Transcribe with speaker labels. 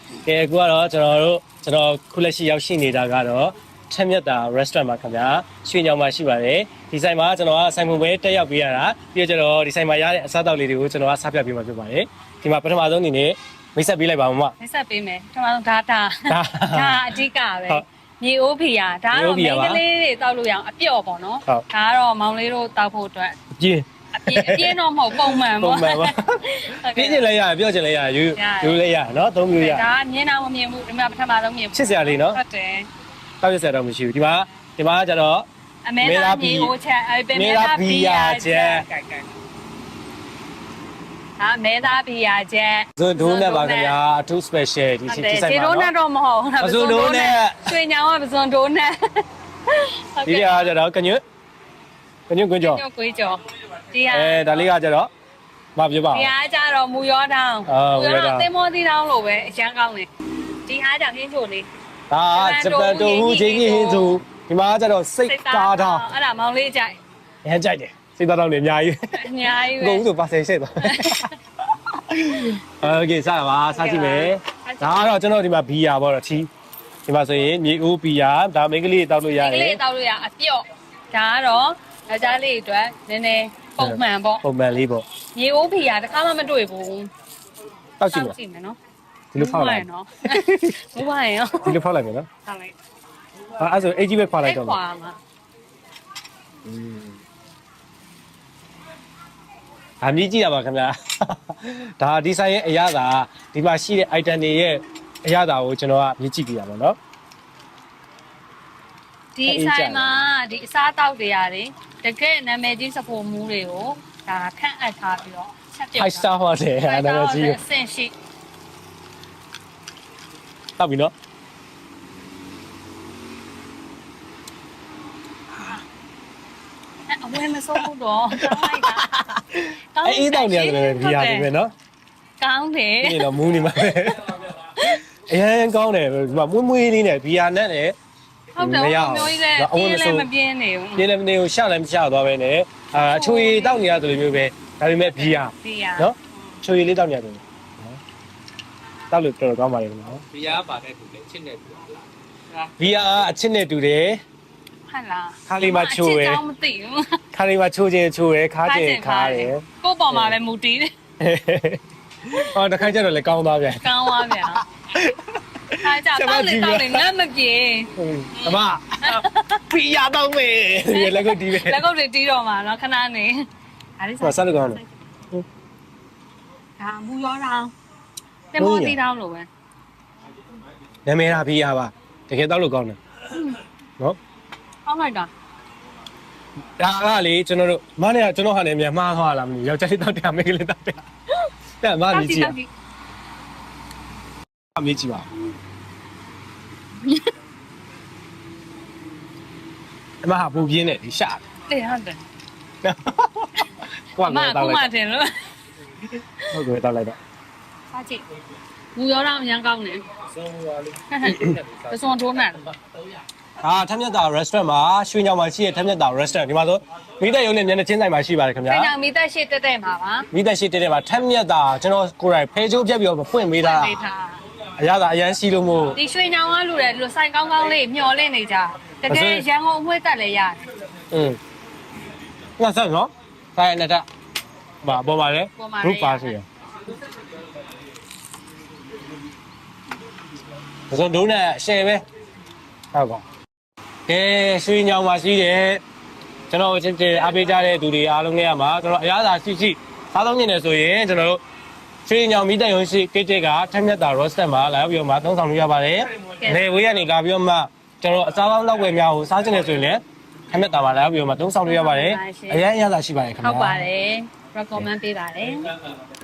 Speaker 1: ကဲအခုကတော့ကျွန်တော်ခုလက်ရှိရောက်ရှိနေတာကတော့ထက်မြက်တာ restaurant မှာခင်ဗျာရွှေညောင်မှာရှိပါတယ်ဒီဆိုင်မှာကျွန်တော်ကဆိုင်ပုံပဲတက်ရောက်ပေးရတာပြီးတော့ကျွန်တော်ဒီဆိုင်မှာရတဲ့အစားအသောက်လေးတွေကိုကျွန်တော်ကစားပြပေးမှာဖြစ်ပါတယ်ဒီမှာပထမဆုံးအနေနဲ့မိတ်ဆက်ပေးလိုက်ပါဦးမ
Speaker 2: မိတ်ဆက်ပေးမယ်ပထမဆုံးဒါအဓိကပဲမြေအိုးဖီယာဒါကတော့မိန်းကလေးတွေတောက်လို့ရအောင်အပြော့ပေါ့နော်ဒါကတော့မောင်လေးတို့တောက်ဖို့အတွက်
Speaker 1: အပြ
Speaker 2: င်းတော့မဟုတ်ပုံမှန်ပေါ့
Speaker 1: ပြင်းချင်လည်းရတယ်ပြောချင်လည်းရတယ်ယူလည်းရတယ်နော်သုံးမျိုးရ
Speaker 2: ဒါမြင်တော့မမြင်ဘူးဒီမှာပထမဆုံးမြင်ဘူး
Speaker 1: ချစ်စရာလေးနော်
Speaker 2: ဟုတ်တယ်
Speaker 1: တောက်ရစရာတော့မရှိဘူးဒီမှာကျတော့
Speaker 2: အမေသားမြေအိုးချက်အဲ့ပဲမေသားဖီယာချက်ဟာမဲသားဖီယာချက်
Speaker 1: ဇွန်ဒိုးနဲ့ပါခင်ဗျာအထူး special ဒီဆိုင်မှာ
Speaker 2: နော်ဇွန်ဒိုးနဲ့တော့မဟုတ်
Speaker 1: ဇွန်ဒိုးနဲ့
Speaker 2: ရွှေညောင်ကဇွန်ဒိုးနဲ့
Speaker 1: ဒီကကျတော့ကညွတ်ကွင်းကျော်
Speaker 2: ဒီဟာ
Speaker 1: ဒါလေးကကျတော့မပြောပါဘူး
Speaker 2: ဒီဟာကျတော့မူရောတောင်းသင်္ဘောသီးတောင်းလို့ပဲအရန်ကောင်းတယ်ဒီဟာကြောင့်ဟင်းချိုလေး
Speaker 1: ဒါဂျပန်တိုဟူချင်းကြီးဟင်းချိုဒီမှာကျတော့စိတ်ကားတောင်း
Speaker 2: အဲ့ဒါမောင်လေးကြိုက်
Speaker 1: ရမ်းကြိုက်တယ်စိတ်သားတောင်းနေအများကြီး
Speaker 2: ပဲ
Speaker 1: ကုန်ဆိုပါဆယ်ရှစ်သွားโอเคစပါစားကြည့်မယ်ဒါကတော့ကျွန်တော်ဒီမှာဘီယာပေါ့တော့ချီဒီမှာဆိုရင်မြေအိုးဘီယာဒါမိန်းကလေးတောက်လို့ရတယ်
Speaker 2: မိန်းကလေးတောက်လို့ရအပြော့ဒါကတော့ယောက်ျားလေးအတွက်နည်းနည်းပုံမှန်ပေါ့
Speaker 1: ပုံမှန်လေးပေါ့
Speaker 2: မြေအိုးဖီယာတစ်ခါမှမတွေ့ဘူး
Speaker 1: တောက်ကြည့်
Speaker 2: မယ်နော်
Speaker 1: ဒီလိုဖောက်လိုက်
Speaker 2: နော်မဝိုင်းရော
Speaker 1: ဒီလိုဖောက်လိုက်မယ်နော်
Speaker 2: ဖောက်လိုက်
Speaker 1: အဲ့ဆိုအေးကြီးပဲဖောက်လိုက်တော့
Speaker 2: ခွာမှာ
Speaker 1: အမြင့်ကြည့်ရပါခင်ဗျာဒါဒီဆိုင်ရဲ့အရသာဒီမှာရှိတဲ့ item တွေရဲ့အရသာကိုကျွန်တော်ကမြင်ကြည့်ပြရပါတော့
Speaker 2: ဒီဆိုင်မှာဒီအစားတောက်တွေရတယ်တကယ်နာမည်ကြီးစဖို့မူးတွေကိုဒါခန့်အပ်ထားပြီးတော့ချက်ပြုတ်
Speaker 1: 5 star ဟောတယ်အဲ့ဒါလည်းကြည့်
Speaker 2: အဆင့်ရှိ
Speaker 1: တောက်ပြီနော်
Speaker 2: အဝဲမစိုးဘူးတော့ကောင်းလိုက်တာ
Speaker 1: အေးတောက်နေရတယ်ဘီယာတွေပဲနော်
Speaker 2: ကောင်းတယ်
Speaker 1: ဒီတော့မူးနေမှာပဲအရင်ကောင်းတယ်ဒီမှာမွေးလေးနဲ့ဘီယာနဲ့လည်း
Speaker 2: ဟုတ်တယ်မျိုးကြီးလည်းမပြင်းနေဘူး
Speaker 1: ပြင်းလည်းမနေဘူးရှလည်းမရှသွားပဲနဲ့အချိုရည်တောက်နေရတယ်လို့မျိုးပဲဒါပေမဲ့ဘီယာနော်ချိုရည်လေးတောက်နေရတယ်နော်တောက်လို့တော်တော်ကောင်းပါလေနော်
Speaker 3: ဘီယာပါတဲ့သူလေအချစ်နဲ့တူလား
Speaker 1: ဘီယာအချစ်နဲ့တူတယ်
Speaker 2: ဟုတ်လား
Speaker 1: ခါလေးမှာချိုးရယ်
Speaker 2: မသိဘူး
Speaker 1: ခါလေးမှာချိုးခြင်းချိုးရယ်ခါခြင်းခါရယ်
Speaker 2: ကိုယ့်ပေါ်မှာပဲမူတည်တယ်
Speaker 1: ဟောတခါကျတော့လည်းကောင်းသွားပြန်
Speaker 2: ကောင်းသွားပြန်အားကြတော့လေတော့လေငတ်မပြေ
Speaker 1: အမဘီယာတော့မေးလက်ကုတ်တီးပဲ
Speaker 2: လက်ကုတ်တွေတီးတော့မှာနော်ခဏနေ
Speaker 1: အားလေးဆက်လို့ကောင်းတယ်
Speaker 2: ဒါမူရောတောင်းတင်မောတီးတောင်းလို့ပဲ
Speaker 1: နာမည်ရာဘီယာပါတကယ်တော့လို့ကောင်းတယ်နော်
Speaker 2: ကောင်းလိုက်တာ
Speaker 1: ဒါကလေကျွန်တော်တို့မနေ့ကကျွန်တော်ဟာနေမြန်မှားသွားလားမသိဘူးယောက်ျားလေးတောက်တယ်မိန်းကလေးတောက်တယ်တဲ့မမြည်ကြည့်အမြည်ကြည့်ပါအမဟာပူပြင်းနေဒီရှာ
Speaker 2: တယ်ဟုတ်တယ်
Speaker 1: ကွာတော့တောက်လိုက်
Speaker 2: မတင်လို့
Speaker 1: ဟုတ်ကဲ့တောက်လိုက်တော့
Speaker 2: စားကြည့်မူရောတော့အရင်ကောင်းတယ်
Speaker 3: ဆုံးသွားလေး
Speaker 2: ပစွန်ထိုးနေ
Speaker 1: ထက်မြက်တာ restaurant မှာရွှေညောင်မှာရှိတဲ့ထက်မြက်တာ restaurant ဒီမှာဆိုမိသက်ရုံနဲ့မျက်နှာချင်းဆိုင်မှာရှိပါတယ်ခင်ဗျာ
Speaker 2: ။ဆိုင်ကမိသက်ရှိတက်မှာပါ
Speaker 1: ။မိသက်ရှိတက်မှာထက်မြက်တာကျွန်တော်ကိုယ်တိုင်ဖဲချိုးပြက်ပြီးတော့ဖွင့်ပေးတာ။အရသာအရန်စီးလို့မို့
Speaker 2: ဒီရွှေညောင်ကလူတယ်လူဆိုင်ကောင်းကောင်းလေးမျော်လင့်နေကြ။တကယ်ရန်ကုန်အမွှေးတက်လည်းရတယ်
Speaker 1: ။ငါဆက်နော်။ဆိုင်နဲ့တက်။ဘာပေါ်ပါလဲ။ group ပါစီရ။ဘယ်လိုဒုနဲ့ share ပဲ။ဟုတ်ပါကဲရွှေညောင်မှာရှိတယ်ကျွန်တော်ချစ်တဲ့အားပေးကြတဲ့သူတွေအားလုံးနဲ့ရမှာကျွန်တော်အရသာရှိစားသုံးနေတယ်ဆိုရင်ကျွန်တော်တို့ရွှေညောင်မိတက်ရုံရှိကိတ်ကထက်မြက်တာ roasted မှာလာပြီးတော့မှသုံးဆောင်လို့ရပါတယ်နေဝေးကနေလာပြီးတော့မှကျွန်တော်အစားပေါင်းလောက်ွယ်များကိုစားချင်တယ်ဆိုရင်လည်းထက်မြက်တာမှာလာပြီးတော့မှသုံးဆောင်လို့ရပါတယ်အရန်အရသာရှိပါတယ်ခင်ဗျာ
Speaker 2: ဟုတ်ပါတယ် recommend ပေးပါတယ်